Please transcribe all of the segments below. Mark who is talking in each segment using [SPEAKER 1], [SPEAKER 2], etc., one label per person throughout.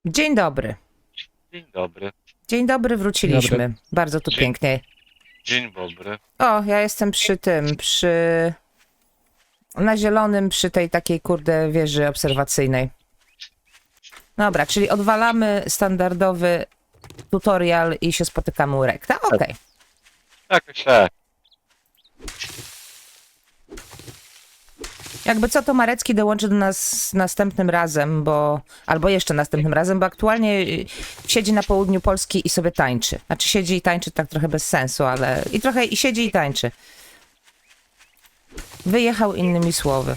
[SPEAKER 1] Dzień dobry.
[SPEAKER 2] Dzień dobry.
[SPEAKER 1] Dzień dobry, wróciliśmy.
[SPEAKER 3] Dobry.
[SPEAKER 1] Bardzo tu pięknie.
[SPEAKER 2] Dzień dobry.
[SPEAKER 1] O, ja jestem na zielonym, przy tej takiej, kurde, wieży obserwacyjnej. Dobra, czyli odwalamy standardowy tutorial i się spotykamy u rekta. Okej.
[SPEAKER 2] Tak.
[SPEAKER 1] Jakby co, to Marecki dołączy do nas następnym razem, albo jeszcze następnym razem, bo aktualnie siedzi na południu Polski i sobie tańczy. Znaczy siedzi i tańczy tak trochę bez sensu, ale i siedzi i tańczy. Wyjechał, innymi słowy.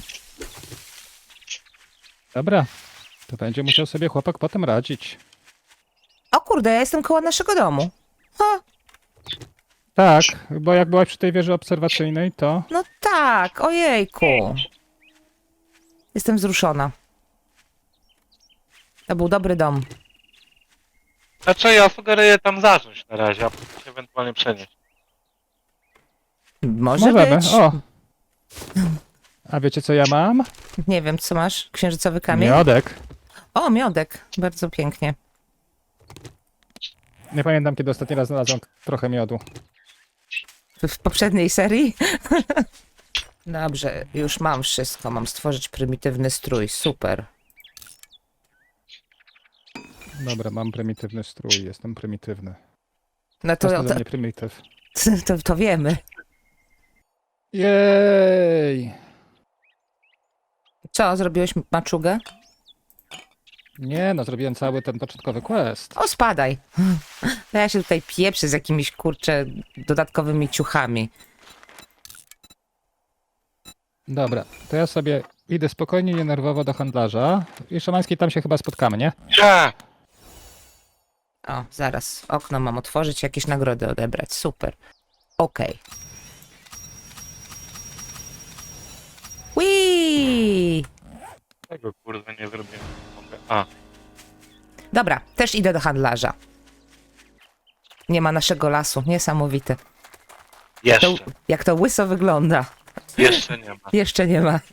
[SPEAKER 3] Dobra, to będzie musiał sobie chłopak potem radzić.
[SPEAKER 1] O kurde, ja jestem koło naszego domu. Ha,
[SPEAKER 3] Tak, bo jak byłaś przy tej wieży obserwacyjnej, to...
[SPEAKER 1] no tak, ojejku. Jestem wzruszona. To był dobry dom.
[SPEAKER 2] Znaczy ja sugeruję tam zacząć na razie, a potem się ewentualnie przenieść.
[SPEAKER 1] Może
[SPEAKER 3] Możemy,
[SPEAKER 1] być.
[SPEAKER 3] o! A wiecie co ja mam?
[SPEAKER 1] Nie wiem, co masz? Księżycowy kamień?
[SPEAKER 3] Miodek.
[SPEAKER 1] O, miodek. Bardzo pięknie.
[SPEAKER 3] Nie pamiętam, kiedy ostatni raz znalazłem trochę miodu.
[SPEAKER 1] W poprzedniej serii? Dobrze, już mam wszystko. Mam stworzyć prymitywny strój. Super.
[SPEAKER 3] Dobra, mam prymitywny strój, jestem prymitywny.
[SPEAKER 1] No
[SPEAKER 3] To
[SPEAKER 1] to,
[SPEAKER 3] jest
[SPEAKER 1] to,
[SPEAKER 3] dla mnie prymityw.
[SPEAKER 1] to wiemy.
[SPEAKER 3] Jej!
[SPEAKER 1] Co, zrobiłeś maczugę?
[SPEAKER 3] Nie no, zrobiłem cały ten początkowy quest.
[SPEAKER 1] O, spadaj. To ja się tutaj pieprzę z jakimiś, kurczę, dodatkowymi ciuchami.
[SPEAKER 3] Dobra, to ja sobie idę spokojnie, nienerwowo do handlarza. I Szymański, tam się chyba spotkamy, nie?
[SPEAKER 2] Ja!
[SPEAKER 1] O, zaraz. Okno mam otworzyć, jakieś nagrody odebrać. Super. Okej. Whee!
[SPEAKER 2] Tego kurwa nie zrobiłem. Mogę. A,
[SPEAKER 1] Dobra, też idę do handlarza. Nie ma naszego lasu. Niesamowite.
[SPEAKER 2] jeszcze.
[SPEAKER 1] Jak to łyso wygląda.
[SPEAKER 2] Jeszcze nie ma.
[SPEAKER 1] Jeszcze nie ma.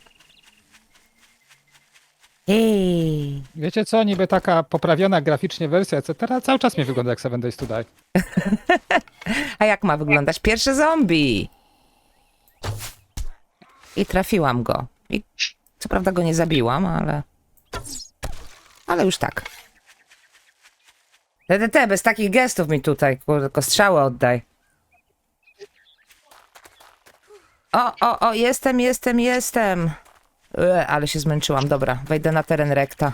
[SPEAKER 1] Hej.
[SPEAKER 3] Wiecie co, niby taka poprawiona graficznie wersja, etc. cały czas mi wygląda jak 7 Days to Die.
[SPEAKER 1] A jak ma wyglądać pierwszy zombie? I trafiłam go. I co prawda go nie zabiłam, ale już tak. DDT, bez takich gestów mi tutaj, kurde, tylko strzały oddaj. O, jestem. Ale się zmęczyłam. Dobra, wejdę na teren rekta.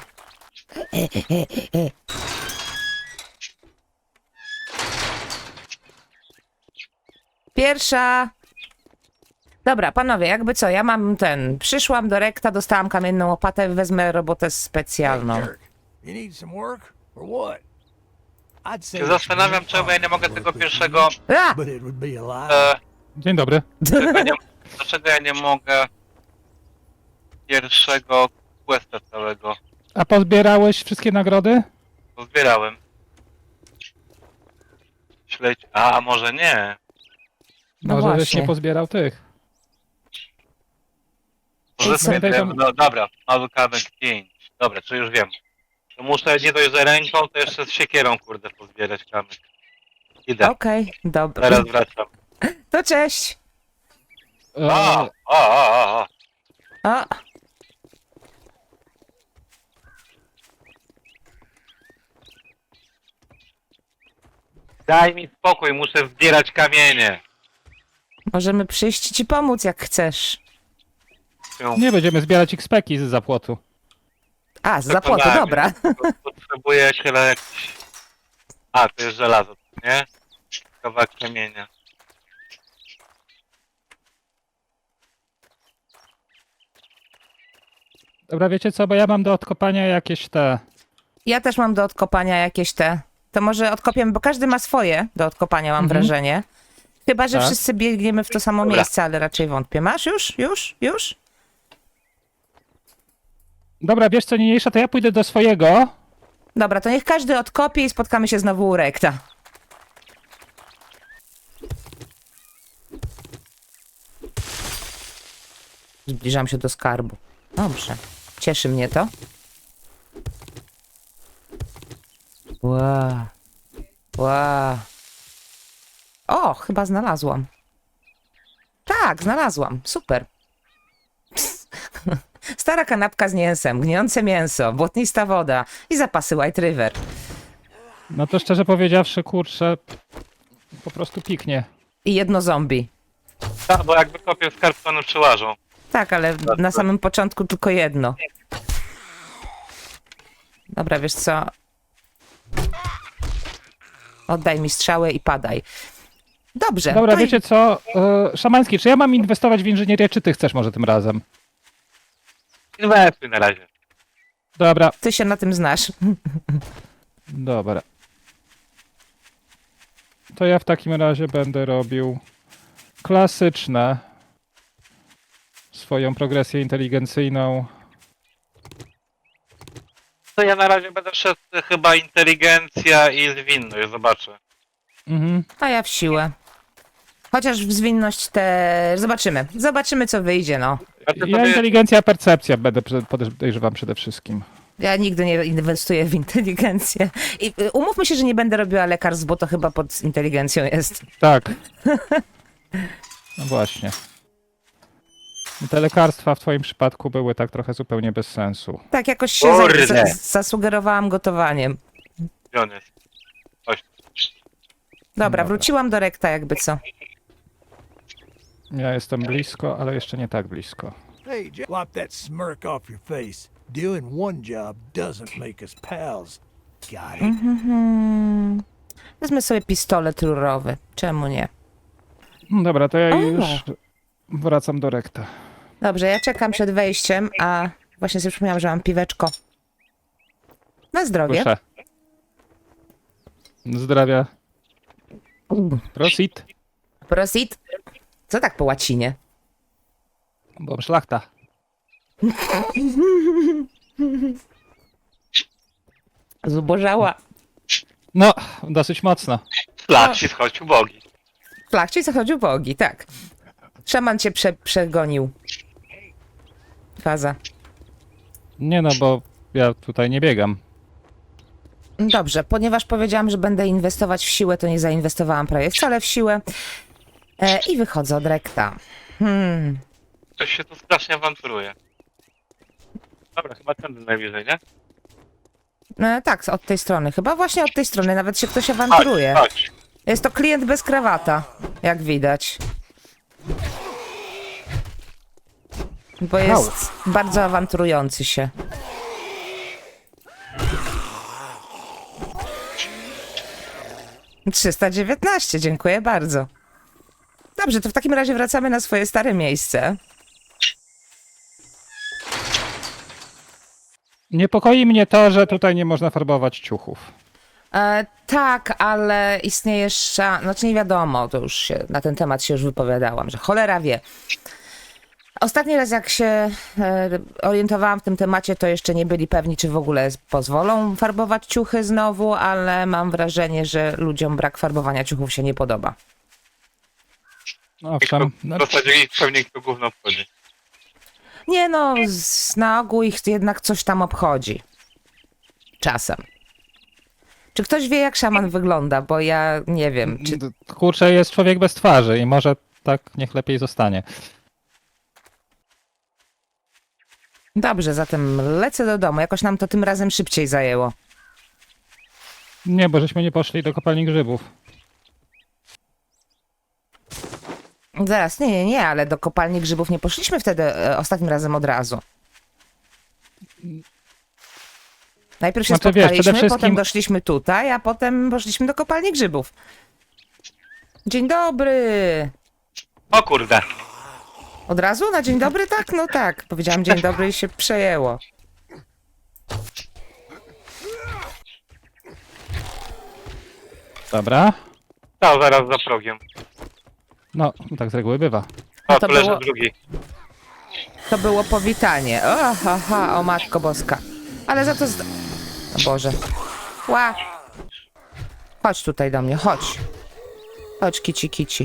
[SPEAKER 1] Pierwsza. Dobra, panowie, jakby co, ja mam przyszłam do rekta, dostałam kamienną łopatę, wezmę robotę specjalną.
[SPEAKER 4] Hey, Dirk, you need some work or what? I'd say
[SPEAKER 2] Się zastanawiam, czemu ja nie mogę tego pierwszego...
[SPEAKER 1] A!
[SPEAKER 4] but it would be a lie.
[SPEAKER 3] Dzień dobry.
[SPEAKER 2] Dlaczego ja nie mogę pierwszego questa całego?
[SPEAKER 3] A pozbierałeś wszystkie nagrody?
[SPEAKER 2] Pozbierałem. Śledź... A może nie?
[SPEAKER 1] No
[SPEAKER 3] Może żeś
[SPEAKER 1] właśnie.
[SPEAKER 3] nie pozbierał tych.
[SPEAKER 2] Może
[SPEAKER 1] co?
[SPEAKER 2] sobie... No dobra, mały kawałek 5. Dobra, czy już wiem. To muszę nie dość, że ręką, to jeszcze z siekierą, kurde, pozbierać kamyk. Idę,
[SPEAKER 1] Okej, dobra.
[SPEAKER 2] zaraz wracam.
[SPEAKER 1] To cześć.
[SPEAKER 2] O!
[SPEAKER 1] O,
[SPEAKER 2] Daj mi spokój, muszę zbierać kamienie.
[SPEAKER 1] możemy przyjść ci pomóc, jak chcesz.
[SPEAKER 3] Nie będziemy zbierać XP-ki z zapłotu.
[SPEAKER 1] A, z zapłotu,
[SPEAKER 2] Przekonałem
[SPEAKER 1] dobra.
[SPEAKER 2] mnie. Potrzebuję chyba jakiś... A, to jest żelazo, nie? Kawałek kamienia.
[SPEAKER 3] Dobra, wiecie co, bo ja mam do odkopania jakieś te...
[SPEAKER 1] Ja też mam do odkopania jakieś To może odkopiemy, bo każdy ma swoje do odkopania, mam wrażenie. Chyba, że
[SPEAKER 3] Tak.
[SPEAKER 1] wszyscy biegniemy w to samo
[SPEAKER 2] Dobra.
[SPEAKER 1] miejsce, ale raczej wątpię. Masz już? Już?
[SPEAKER 3] Dobra, wiesz co, niniejsza, to ja pójdę do swojego.
[SPEAKER 1] Dobra, to niech każdy odkopie i spotkamy się znowu u rekta. Zbliżam się do skarbu. Dobrze. Cieszy mnie to. Ła. Ła. O, chyba znalazłam. Tak, znalazłam. Super. Stara kanapka z mięsem, gnijące mięso, błotnista woda i zapasy White River.
[SPEAKER 3] No to szczerze powiedziawszy, kurczę, po prostu piknie.
[SPEAKER 1] I jedno zombie.
[SPEAKER 2] Tak, bo jakby kopię skarb, to one przyłażą.
[SPEAKER 1] Tak, ale na samym początku tylko jedno. Dobra, wiesz co? Oddaj mi strzałę i padaj. Dobrze.
[SPEAKER 3] Dobra,
[SPEAKER 1] to i-
[SPEAKER 3] wiecie co? Szamański, czy ja mam inwestować w inżynierię, czy ty chcesz może tym razem?
[SPEAKER 2] Inwestuj na razie.
[SPEAKER 3] Dobra,
[SPEAKER 1] Ty się na tym znasz.
[SPEAKER 3] dobra. To ja w takim razie będę robił klasyczne swoją progresję inteligencyjną.
[SPEAKER 2] To ja na razie będę szedł chyba inteligencja i zwinność, zobaczę.
[SPEAKER 3] Mhm.
[SPEAKER 1] A ja w siłę. Chociaż w zwinność też. Zobaczymy. Zobaczymy, co wyjdzie, no.
[SPEAKER 2] A ty
[SPEAKER 3] Ja
[SPEAKER 2] sobie...
[SPEAKER 3] inteligencja, percepcja będę podejrzewam przede wszystkim.
[SPEAKER 1] Ja nigdy nie inwestuję w inteligencję. I umówmy się, że nie będę robiła lekarstw, bo to chyba pod inteligencją jest.
[SPEAKER 3] Tak. No właśnie. Te lekarstwa w twoim przypadku były tak trochę zupełnie bez sensu.
[SPEAKER 1] Tak, jakoś się
[SPEAKER 2] Kurde.
[SPEAKER 1] zasugerowałam gotowaniem.
[SPEAKER 2] Gdzie on jest? Chodź.
[SPEAKER 1] Dobra,
[SPEAKER 3] Dobra.
[SPEAKER 1] wróciłam do rekta, jakby co.
[SPEAKER 3] Ja jestem blisko, ale jeszcze nie tak blisko.
[SPEAKER 4] Hey, wipe that smirk off your face. Doing one job doesn't make us pals. Got it?
[SPEAKER 1] Mhm. Wezmę sobie pistolet rurowy. Czemu nie?
[SPEAKER 3] No dobra, to ja
[SPEAKER 1] O.
[SPEAKER 3] już wracam do rekta.
[SPEAKER 1] Dobrze, ja czekam przed wejściem, a właśnie sobie przypomniałam, że mam piweczko. Na zdrowie.
[SPEAKER 3] Proszę. Zdrowia. Prosit.
[SPEAKER 1] Prosit. Co tak po łacinie?
[SPEAKER 3] Bo szlachta.
[SPEAKER 1] Zubożała.
[SPEAKER 3] No, dosyć mocno.
[SPEAKER 2] Flag ci schodził bogi.
[SPEAKER 1] Flachci zachodził bogi, tak. Szaman cię przegonił. Faza.
[SPEAKER 3] Nie no, bo ja tutaj nie biegam.
[SPEAKER 1] Dobrze, ponieważ powiedziałam, że będę inwestować w siłę, to nie zainwestowałam prawie wcale w siłę. I wychodzę od rekta.
[SPEAKER 2] Ktoś się tu strasznie awanturuje. Dobra, chyba tędy najbliżej, nie?
[SPEAKER 1] Tak, od tej strony. Chyba właśnie od tej strony. Nawet się ktoś awanturuje.
[SPEAKER 2] Chodź.
[SPEAKER 1] Jest to klient bez krawata, jak widać. Bo jest bardzo awanturujący się. $319, dziękuję bardzo. Dobrze, to w takim razie wracamy na swoje stare miejsce.
[SPEAKER 3] Niepokoi mnie to, że tutaj nie można farbować ciuchów.
[SPEAKER 1] Tak, ale istnieje znaczy nie wiadomo, to już się, na ten temat się już wypowiadałam, że cholera wie. Ostatni raz jak się orientowałam w tym temacie, to jeszcze nie byli pewni, czy w ogóle pozwolą farbować ciuchy znowu, ale mam wrażenie, że ludziom brak farbowania ciuchów się nie podoba.
[SPEAKER 3] Owszem. No,
[SPEAKER 2] W zasadzie ich pewnie to gówno obchodzi.
[SPEAKER 1] Nie no, na ogół ich jednak coś tam obchodzi. Czasem. Czy ktoś wie, jak szaman wygląda? Bo ja nie wiem, czy...
[SPEAKER 3] kurczę, jest człowiek bez twarzy i może tak niech lepiej zostanie.
[SPEAKER 1] Dobrze, zatem lecę do domu. Jakoś nam to tym razem szybciej zajęło.
[SPEAKER 3] Nie, bo żeśmy nie poszli do kopalni grzybów.
[SPEAKER 1] Zaraz, nie, ale do kopalni grzybów nie poszliśmy wtedy ostatnim razem od razu. Najpierw się
[SPEAKER 3] Znaczy, wiesz,
[SPEAKER 1] spotkaliśmy,
[SPEAKER 3] przede wszystkim-
[SPEAKER 1] potem doszliśmy tutaj, a potem poszliśmy do kopalni grzybów. Dzień dobry!
[SPEAKER 2] O kurde.
[SPEAKER 1] Od razu? Na dzień dobry? Tak, no tak. Powiedziałam dzień dobry i się przejęło.
[SPEAKER 3] Dobra.
[SPEAKER 2] Stał zaraz za progiem.
[SPEAKER 3] No, tak z reguły bywa.
[SPEAKER 2] O,
[SPEAKER 1] to
[SPEAKER 2] tu leży
[SPEAKER 1] było-
[SPEAKER 2] drugi.
[SPEAKER 1] To było powitanie. O, ha, o matko boska. Ale za to... O Boże. Ła! Chodź tutaj do mnie, chodź. Chodź, kici.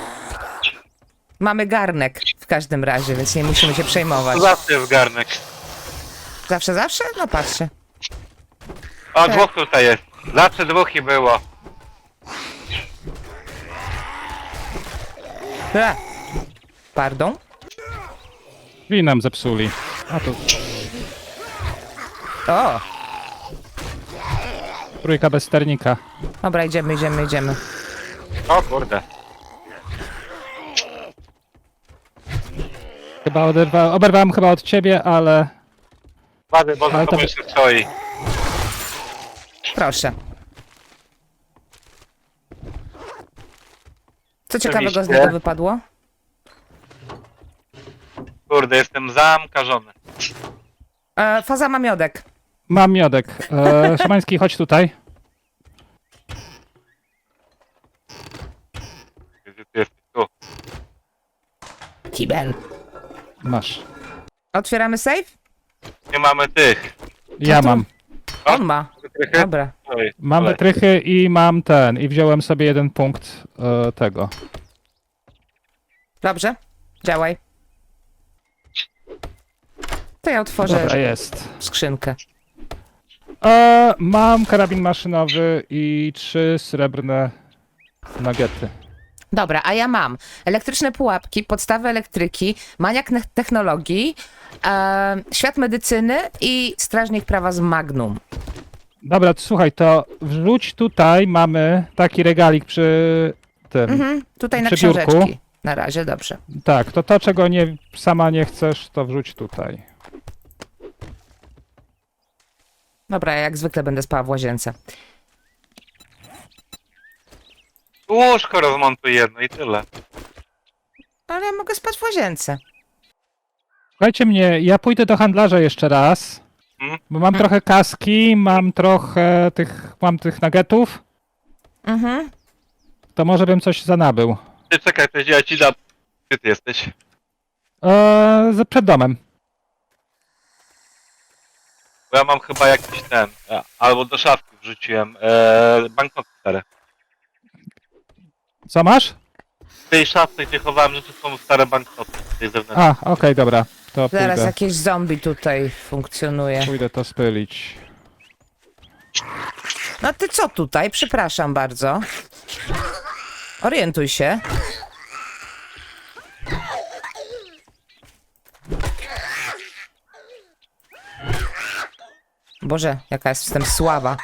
[SPEAKER 1] Mamy garnek w każdym razie, więc nie musimy się przejmować.
[SPEAKER 2] Zawsze jest garnek.
[SPEAKER 1] Zawsze? No patrzcie.
[SPEAKER 2] O,
[SPEAKER 1] Tak.
[SPEAKER 2] dwóch tutaj jest. Zawsze dwóch i było.
[SPEAKER 1] Pardon?
[SPEAKER 3] Drzwi nam zepsuli. A to
[SPEAKER 1] O!
[SPEAKER 3] trójka bez sternika.
[SPEAKER 1] Dobra, idziemy.
[SPEAKER 2] O kurde.
[SPEAKER 3] Chyba oberwałem chyba od ciebie, ale...
[SPEAKER 2] Wady, bo za
[SPEAKER 3] Ale to
[SPEAKER 2] tobą
[SPEAKER 3] by-
[SPEAKER 2] jeszcze stoi.
[SPEAKER 1] Proszę. Co ciekawego z
[SPEAKER 2] Oczywiście.
[SPEAKER 1] niego wypadło?
[SPEAKER 2] Kurde, jestem zamkażony.
[SPEAKER 1] Faza ma miodek.
[SPEAKER 3] Mam miodek. Szymański, chodź tutaj.
[SPEAKER 2] Gdzie ty jesteś? Tu.
[SPEAKER 1] Kibel.
[SPEAKER 3] Masz.
[SPEAKER 1] Otwieramy safe?
[SPEAKER 2] Nie mamy tych.
[SPEAKER 3] Ja mam.
[SPEAKER 1] On ma.
[SPEAKER 2] Wytrychy?
[SPEAKER 1] Dobra.
[SPEAKER 2] Oj,
[SPEAKER 3] Mam
[SPEAKER 2] ale-
[SPEAKER 3] wytrychy i mam ten. I wziąłem sobie 1 punkt tego.
[SPEAKER 1] Dobrze. Działaj. To ja otworzę
[SPEAKER 3] Dobra, jest.
[SPEAKER 1] skrzynkę.
[SPEAKER 3] Mam karabin maszynowy i 3 srebrne nuggety.
[SPEAKER 1] Dobra, a ja mam elektryczne pułapki, podstawy elektryki, maniak technologii, świat medycyny i strażnik prawa z Magnum.
[SPEAKER 3] Dobra, to słuchaj, to wrzuć tutaj, mamy taki regalik przy tym.
[SPEAKER 1] Tutaj na
[SPEAKER 3] Przy biurku.
[SPEAKER 1] książeczki. Na razie, dobrze.
[SPEAKER 3] Tak, to czego sama nie chcesz, to wrzuć tutaj.
[SPEAKER 1] Dobra, ja jak zwykle będę spała w łazience.
[SPEAKER 2] Łóżko rozmontuj jedno i tyle.
[SPEAKER 1] Ale ja mogę spać w łazience.
[SPEAKER 3] Słuchajcie mnie, ja pójdę do handlarza jeszcze raz, bo mam trochę kaski, mam trochę tych nuggetów,
[SPEAKER 1] Mhm.
[SPEAKER 3] to może bym coś zanabył.
[SPEAKER 2] Ty czekaj, to ja ci dam. Gdzie ty jesteś?
[SPEAKER 3] Przed domem.
[SPEAKER 2] Bo ja mam chyba jakiś ten. Albo do szafki wrzuciłem. Banknoty stare.
[SPEAKER 3] Co masz?
[SPEAKER 2] W tej szafce, gdzie chowałem rzeczy, są stare banknoty. Tej zewnętrznej.
[SPEAKER 3] Okej, dobra, to
[SPEAKER 1] Zaraz
[SPEAKER 3] pójdę.
[SPEAKER 1] jakieś zombie tutaj funkcjonuje.
[SPEAKER 3] Pójdę to spylić.
[SPEAKER 1] No ty co tutaj? Przepraszam bardzo. Orientuj się. Boże, jaka jestem słaba.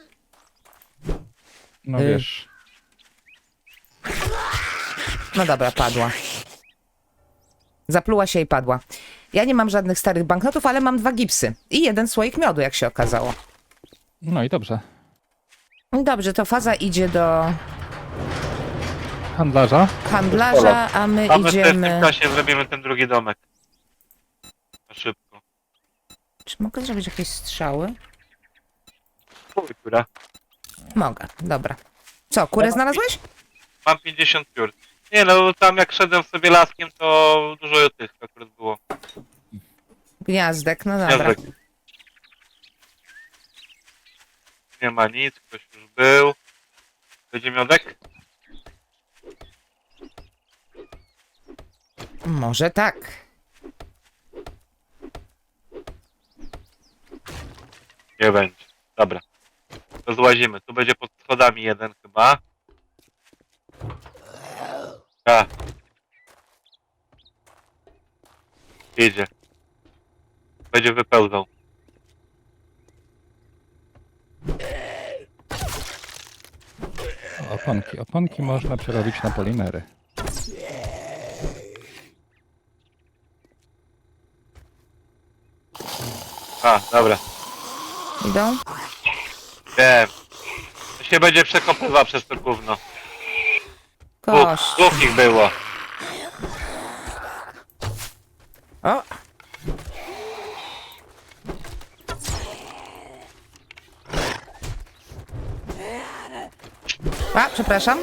[SPEAKER 3] No wiesz.
[SPEAKER 1] No dobra, padła. Zapluła się i padła. Ja nie mam żadnych starych banknotów, ale mam 2 gipsy. I 1 słoik miodu, jak się okazało.
[SPEAKER 3] No i dobrze.
[SPEAKER 1] Dobrze, to faza idzie do
[SPEAKER 3] Handlarza.
[SPEAKER 1] handlarza, a my
[SPEAKER 2] A my w tym
[SPEAKER 1] idziemy...
[SPEAKER 2] czasie zrobimy ten drugi domek. Na szybko.
[SPEAKER 1] Czy mogę zrobić jakieś strzały?
[SPEAKER 2] Chuj, która.
[SPEAKER 1] Mogę, dobra. Co, kurę znalazłeś?
[SPEAKER 2] Mam 50 piór. Nie no, tam jak szedłem sobie laskiem, to dużo tych akurat było.
[SPEAKER 1] Gniazdek, no dobra.
[SPEAKER 2] Gniazdek. Nie ma nic, ktoś już był. Będzie miodek?
[SPEAKER 1] Może tak.
[SPEAKER 2] Nie będzie. Dobra. To złazimy. Tu będzie pod schodami jeden chyba. A. Idzie. Będzie wypełzał.
[SPEAKER 3] Oponki. Oponki można przerobić na polimery.
[SPEAKER 2] A, dobra.
[SPEAKER 1] Idą?
[SPEAKER 2] Wiem. To się będzie przekopywał przez to gówno.
[SPEAKER 1] Kość.
[SPEAKER 2] Dwóch ich było.
[SPEAKER 1] O! A, przepraszam.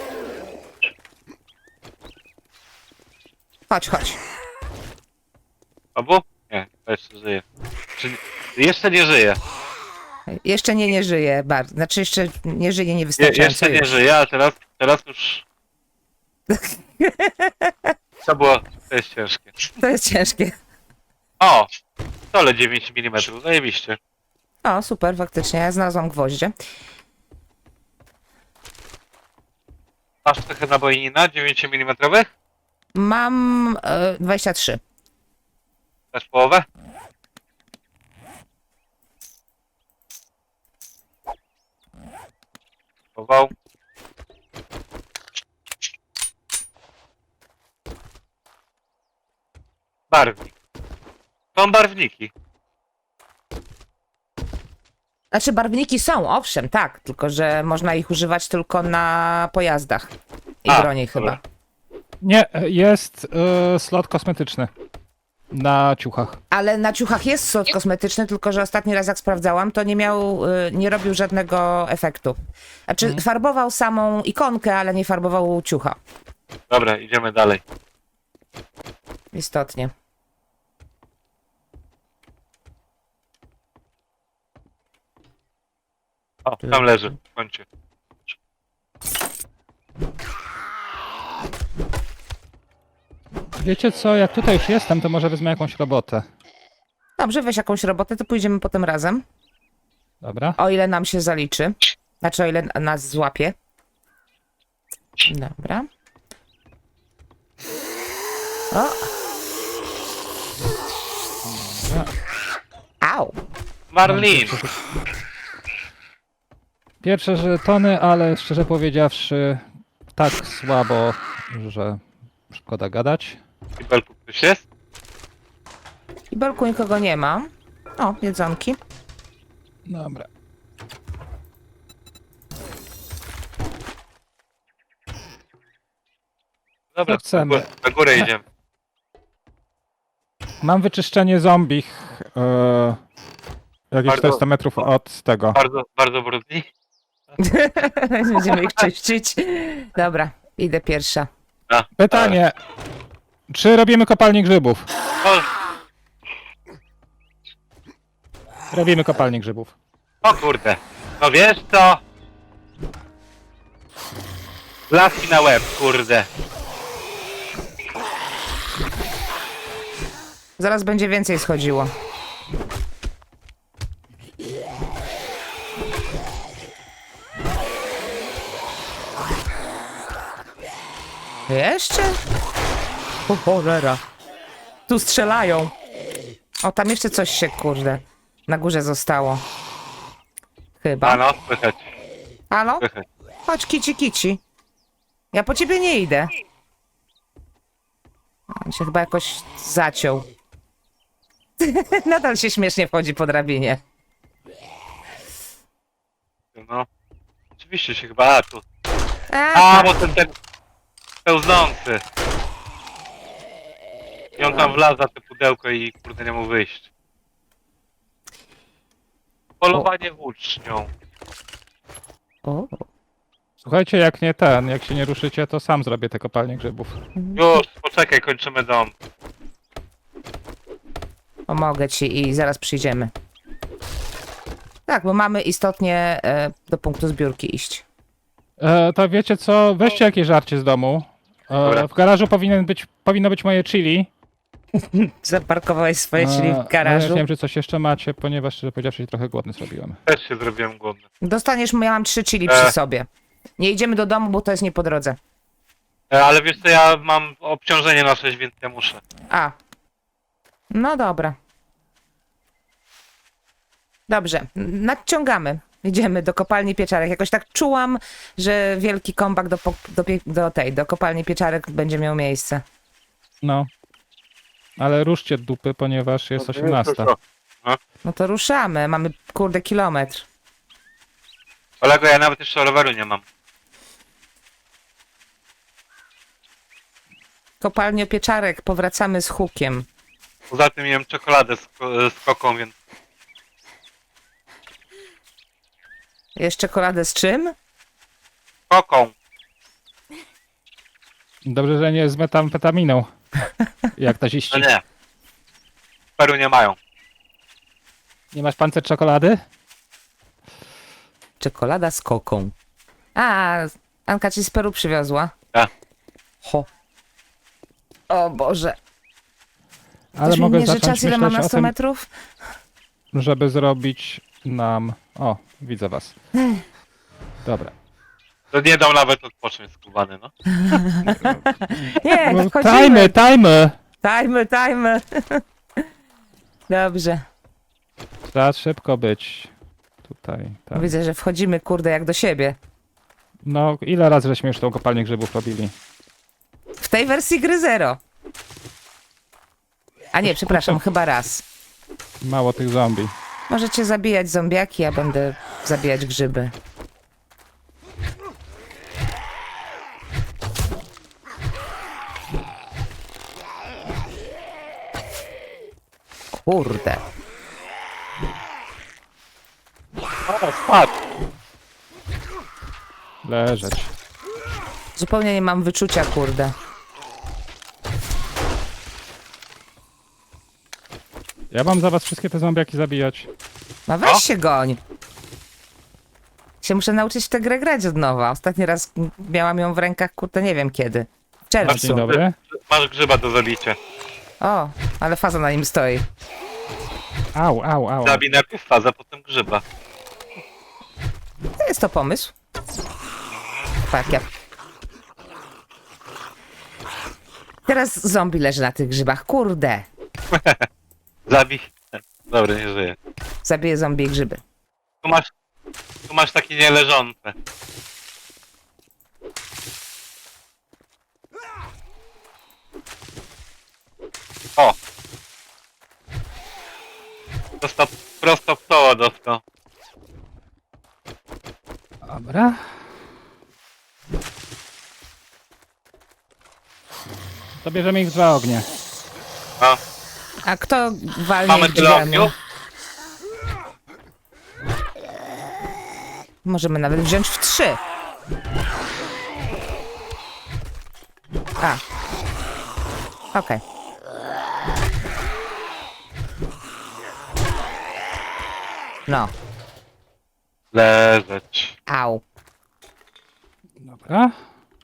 [SPEAKER 1] Chodź, chodź.
[SPEAKER 2] Obu? Nie, to jeszcze żyje. Jeszcze nie żyje.
[SPEAKER 1] Jeszcze nie żyje bardzo. Znaczy jeszcze nie żyje niewystarczająco.
[SPEAKER 2] Jeszcze nie
[SPEAKER 1] już.
[SPEAKER 2] żyje, a teraz już... To było... To jest ciężkie.
[SPEAKER 1] To jest ciężkie.
[SPEAKER 2] O! Stole 9 mm, zajebiście.
[SPEAKER 1] O, super, faktycznie. Ja znalazłam gwoździe.
[SPEAKER 2] Masz trochę nabojnina 9 mm?
[SPEAKER 1] Mam 23.
[SPEAKER 2] Też połowę? Chował. Barwnik. Są barwniki.
[SPEAKER 1] Znaczy barwniki są, owszem, tak, tylko że można ich używać tylko na pojazdach i
[SPEAKER 2] A,
[SPEAKER 1] broni chyba.
[SPEAKER 2] dobra.
[SPEAKER 3] Nie, jest slot kosmetyczny na ciuchach.
[SPEAKER 1] Ale na ciuchach jest slot kosmetyczny, tylko że ostatni raz jak sprawdzałam, to nie robił żadnego efektu. Znaczy farbował samą ikonkę, ale nie farbował ciucha.
[SPEAKER 2] Dobra, idziemy dalej.
[SPEAKER 1] Istotnie.
[SPEAKER 2] O, tam leży, w kącie.
[SPEAKER 3] Wiecie co, jak tutaj już jestem, to może wezmę jakąś robotę.
[SPEAKER 1] Dobrze, weź jakąś robotę, to pójdziemy potem razem.
[SPEAKER 3] Dobra?
[SPEAKER 1] O ile nam się zaliczy. Znaczy, o ile nas złapie. Dobra. O! Au!
[SPEAKER 2] Marlin!
[SPEAKER 3] Pierwsze żetony, ale szczerze powiedziawszy, tak słabo, że szkoda gadać.
[SPEAKER 2] I Belku ktoś jest?
[SPEAKER 1] I belku nikogo nie ma. O, jedzonki.
[SPEAKER 3] Dobra.
[SPEAKER 2] Dobra,
[SPEAKER 3] Co chcemy?
[SPEAKER 2] na górę idziemy.
[SPEAKER 3] Mam wyczyszczenie zombich. Jakieś
[SPEAKER 2] Bardzo-
[SPEAKER 3] 400 metrów od tego.
[SPEAKER 2] Bardzo, bardzo brudni.
[SPEAKER 1] Będziemy ich czyścić. Dobra, idę pierwsza.
[SPEAKER 3] Pytanie. Czy robimy kopalnię grzybów?
[SPEAKER 2] O,
[SPEAKER 3] Robimy kopalnię grzybów.
[SPEAKER 2] o kurde. No wiesz co? Laski na łeb, kurde.
[SPEAKER 1] Zaraz będzie więcej schodziło. Jeszcze? O cholera. Tu strzelają. O, tam jeszcze coś się, kurde, na górze zostało. Chyba.
[SPEAKER 2] A no, słychać,
[SPEAKER 1] Halo?
[SPEAKER 2] słychać.
[SPEAKER 1] Chodź, kici, kici. Ja po ciebie nie idę. On się chyba jakoś zaciął. Nadal się śmiesznie wchodzi po drabinie.
[SPEAKER 2] No. Oczywiście się chyba, a tu. A,
[SPEAKER 1] tak.
[SPEAKER 2] bo ten pełznący. I on tam wlazł za te pudełko i kurde nie mógł wyjść. Polowanie włócznią.
[SPEAKER 1] O.
[SPEAKER 3] Słuchajcie, jak się nie ruszycie, to sam zrobię te kopalnie grzybów.
[SPEAKER 2] Już, poczekaj, kończymy dom.
[SPEAKER 1] Pomogę ci i zaraz przyjdziemy. Tak, bo mamy istotnie do punktu zbiórki iść.
[SPEAKER 3] To wiecie co? Weźcie jakieś żarcie z domu.
[SPEAKER 2] Dobra.
[SPEAKER 3] W garażu powinno być moje chili.
[SPEAKER 1] Zaparkowałeś swoje, czyli w
[SPEAKER 3] Ja
[SPEAKER 1] garażu.
[SPEAKER 3] nie wiem, czy coś jeszcze macie, ponieważ szczerze powiedziawszy się trochę głodny zrobiłem.
[SPEAKER 2] Też się zrobiłem głodny.
[SPEAKER 1] Dostaniesz, ja mam 3 chili przy sobie. Nie idziemy do domu, bo to jest nie po drodze.
[SPEAKER 2] Ale wiesz co, ja mam obciążenie na 6, więc ja muszę.
[SPEAKER 1] A. No dobra. Dobrze, nadciągamy. Idziemy do kopalni pieczarek. Jakoś tak czułam, że wielki kombak do kopalni pieczarek będzie miał miejsce.
[SPEAKER 3] No. Ale ruszcie dupy, ponieważ jest 18.
[SPEAKER 1] No to ruszamy. Mamy, kurde, kilometr.
[SPEAKER 2] Kolego, ja nawet jeszcze roweru nie mam.
[SPEAKER 1] Kopalnia pieczarek, powracamy z hukiem.
[SPEAKER 2] Poza tym jem czekoladę z koką, więc
[SPEAKER 1] Jest czekoladę z czym?
[SPEAKER 2] koką.
[SPEAKER 3] Dobrze, że nie z metamfetaminą. Jak to
[SPEAKER 2] No
[SPEAKER 3] ziści.
[SPEAKER 2] nie. W Peru nie mają.
[SPEAKER 3] Nie masz pancer czekolady?
[SPEAKER 1] Czekolada z koką. A, Anka ci z Peru przywiozła.
[SPEAKER 2] Tak.
[SPEAKER 1] Ho. O Boże.
[SPEAKER 3] Ale
[SPEAKER 1] Ktoś mi
[SPEAKER 3] mogę
[SPEAKER 1] mierzy
[SPEAKER 3] zacząć
[SPEAKER 1] czas, ile mam
[SPEAKER 3] myśleć
[SPEAKER 1] na
[SPEAKER 3] o
[SPEAKER 1] 100
[SPEAKER 3] tym,
[SPEAKER 1] metrów?
[SPEAKER 3] żeby zrobić nam... O, widzę was. Dobra.
[SPEAKER 2] To nie dał nawet odpocząć skubany, no.
[SPEAKER 1] Nie,
[SPEAKER 3] No,
[SPEAKER 1] tak
[SPEAKER 3] Tajmy, tajmy!
[SPEAKER 1] Tajmy. Dobrze.
[SPEAKER 3] Trzeba szybko być. Tutaj, tak.
[SPEAKER 1] Widzę, że wchodzimy, kurde, jak do siebie.
[SPEAKER 3] No, ile razy żeśmy już tą kopalnię grzybów robili?
[SPEAKER 1] W tej wersji gry 0. A nie, przepraszam, chyba raz.
[SPEAKER 3] Mało tych zombie.
[SPEAKER 1] Możecie zabijać zombiaki, ja będę zabijać grzyby. Kurde.
[SPEAKER 2] O, spadł.
[SPEAKER 3] Leżeć.
[SPEAKER 1] Zupełnie nie mam wyczucia, kurde.
[SPEAKER 3] Ja mam za was wszystkie te zombiaki zabijać.
[SPEAKER 1] No weź
[SPEAKER 2] O.
[SPEAKER 1] się goń. Się muszę nauczyć w tę grę grać od nowa. Ostatni raz miałam ją w rękach, kurde, nie wiem kiedy. W czerwcu.
[SPEAKER 3] Dzień dobry.
[SPEAKER 2] Masz grzyba do zabicia.
[SPEAKER 1] O, ale faza na nim stoi.
[SPEAKER 3] Au, au, au.
[SPEAKER 2] Zabij najpierw fazę, potem grzyba.
[SPEAKER 1] To jest to pomysł. Tak, ja. Teraz zombie leży na tych grzybach. Kurde.
[SPEAKER 2] Zabij. Dobra, nie żyje.
[SPEAKER 1] Zabiję zombie i grzyby.
[SPEAKER 2] Tu masz takie nieleżące. O! Dostał prosto w czoło dostał.
[SPEAKER 3] Dobra. To bierzemy ich w dwa ognie.
[SPEAKER 2] A,
[SPEAKER 1] A kto walnie
[SPEAKER 2] mamy tyle
[SPEAKER 1] drzwiami?
[SPEAKER 2] ogniu?
[SPEAKER 1] Możemy nawet wziąć w 3. A. Okej. No.
[SPEAKER 2] Leżeć.
[SPEAKER 1] Au.
[SPEAKER 3] Dobra.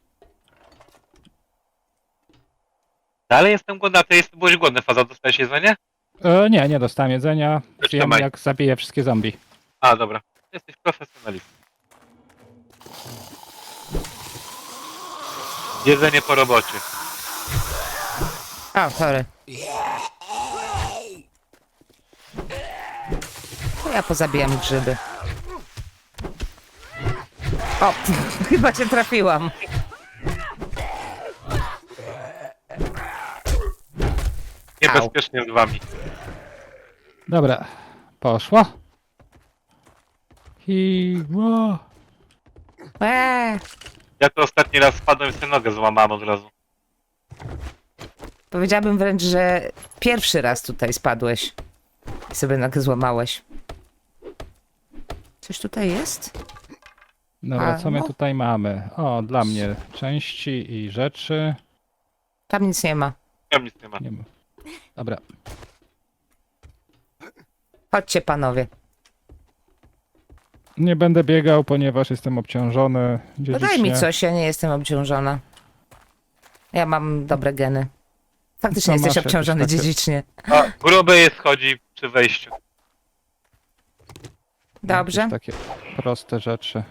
[SPEAKER 2] Dalej jestem głodny, a ty byłeś głodny, Faza, dostałeś jedzenie?
[SPEAKER 3] Nie, nie dostałem jedzenia. Wiem,
[SPEAKER 2] Trzymaj.
[SPEAKER 3] jak zabiję wszystkie zombie.
[SPEAKER 2] A, dobra. Jesteś profesjonalistą. Jedzenie po robocie.
[SPEAKER 1] O, sorry. To ja pozabijam grzyby. O, chyba cię trafiłam.
[SPEAKER 2] Niebezpiecznie z wami.
[SPEAKER 3] Dobra. Poszło. I... Ło.
[SPEAKER 2] Ja to ostatni raz spadłem i sobie nogę złamałem od razu.
[SPEAKER 1] Powiedziałabym wręcz, że pierwszy raz tutaj spadłeś i sobie nogę złamałeś. Coś tutaj jest?
[SPEAKER 3] Dobra,
[SPEAKER 1] A,
[SPEAKER 3] co my
[SPEAKER 1] no.
[SPEAKER 3] tutaj mamy? O, dla mnie części i rzeczy.
[SPEAKER 1] Tam nic nie ma.
[SPEAKER 2] Tam nic nie ma.
[SPEAKER 3] Nie ma. Dobra.
[SPEAKER 1] Chodźcie, panowie.
[SPEAKER 3] Nie będę biegał, ponieważ jestem obciążony
[SPEAKER 1] No
[SPEAKER 3] dziedzicznie.
[SPEAKER 1] daj mi coś, ja nie jestem obciążona. Ja mam dobre geny. Faktycznie
[SPEAKER 3] Co
[SPEAKER 1] jesteś
[SPEAKER 3] masz jakieś
[SPEAKER 1] obciążony
[SPEAKER 3] takie-
[SPEAKER 1] dziedzicznie.
[SPEAKER 2] A, gruby jest chodzi przy wejściu.
[SPEAKER 1] Dobrze.
[SPEAKER 3] Jakieś takie proste rzeczy.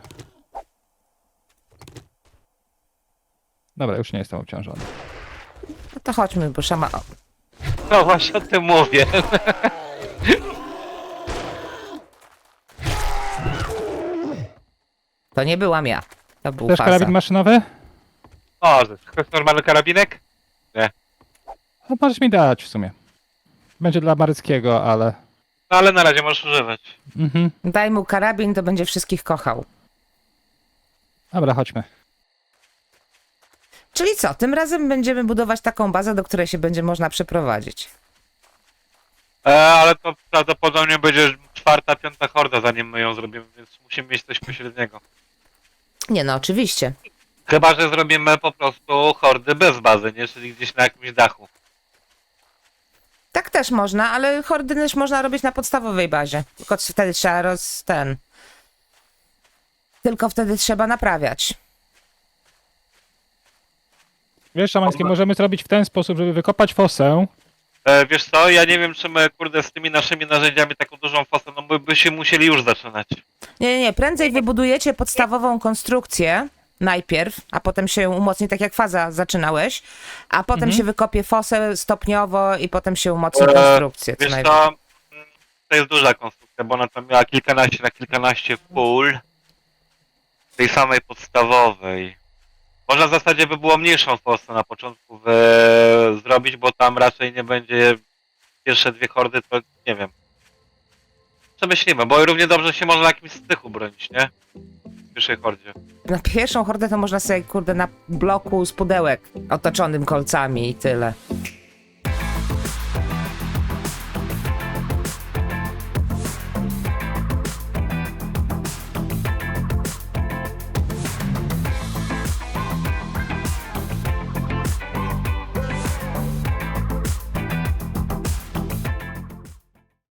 [SPEAKER 3] Dobra, już nie jestem obciążony.
[SPEAKER 1] No to chodźmy, bo szama... O,
[SPEAKER 2] No właśnie o tym mówię.
[SPEAKER 1] to nie byłam ja. To był
[SPEAKER 3] Też
[SPEAKER 1] faza.
[SPEAKER 3] karabin maszynowy?
[SPEAKER 2] O, to jest normalny karabinek?
[SPEAKER 3] No, możesz mi dać w sumie. Będzie dla Maryckiego, ale...
[SPEAKER 2] No ale na razie możesz używać.
[SPEAKER 3] Mhm.
[SPEAKER 1] Daj mu karabin, to będzie wszystkich kochał.
[SPEAKER 3] Dobra, chodźmy.
[SPEAKER 1] Czyli co, tym razem będziemy budować taką bazę, do której się będzie można przeprowadzić.
[SPEAKER 2] Ale to prawdopodobnie będzie 4., 5. horda, zanim my ją zrobimy, więc musimy mieć coś pośredniego.
[SPEAKER 1] Nie no, oczywiście.
[SPEAKER 2] Chyba że zrobimy po prostu hordy bez bazy, nie? Czyli gdzieś na jakimś dachu.
[SPEAKER 1] Tak też można, ale hordy też można robić na podstawowej bazie. Tylko wtedy trzeba Tylko wtedy trzeba naprawiać.
[SPEAKER 3] Wiesz, Szamański, możemy zrobić w ten sposób, żeby wykopać fosę.
[SPEAKER 2] Wiesz co, ja nie wiem czy my kurde z tymi naszymi narzędziami taką dużą fosę, no by się musieli już zaczynać.
[SPEAKER 1] Nie, prędzej wybudujecie podstawową konstrukcję najpierw, a potem się umocni, tak jak faza zaczynałeś, a potem się wykopie fosę stopniowo i potem się umocni konstrukcję. co
[SPEAKER 2] Wiesz
[SPEAKER 1] najwyżej.
[SPEAKER 2] co, to jest duża konstrukcja, bo ona tam miała kilkanaście na kilkanaście pól tej samej podstawowej. Można w zasadzie by było mniejszą fosę na początku zrobić, bo tam raczej nie będzie pierwsze dwie hordy, to nie wiem. Przemyślimy, bo równie dobrze się można na jakimś stychu bronić, nie? W pierwszej hordzie.
[SPEAKER 1] Na pierwszą hordę to można sobie, kurde, na bloku z pudełek otoczonym kolcami i tyle.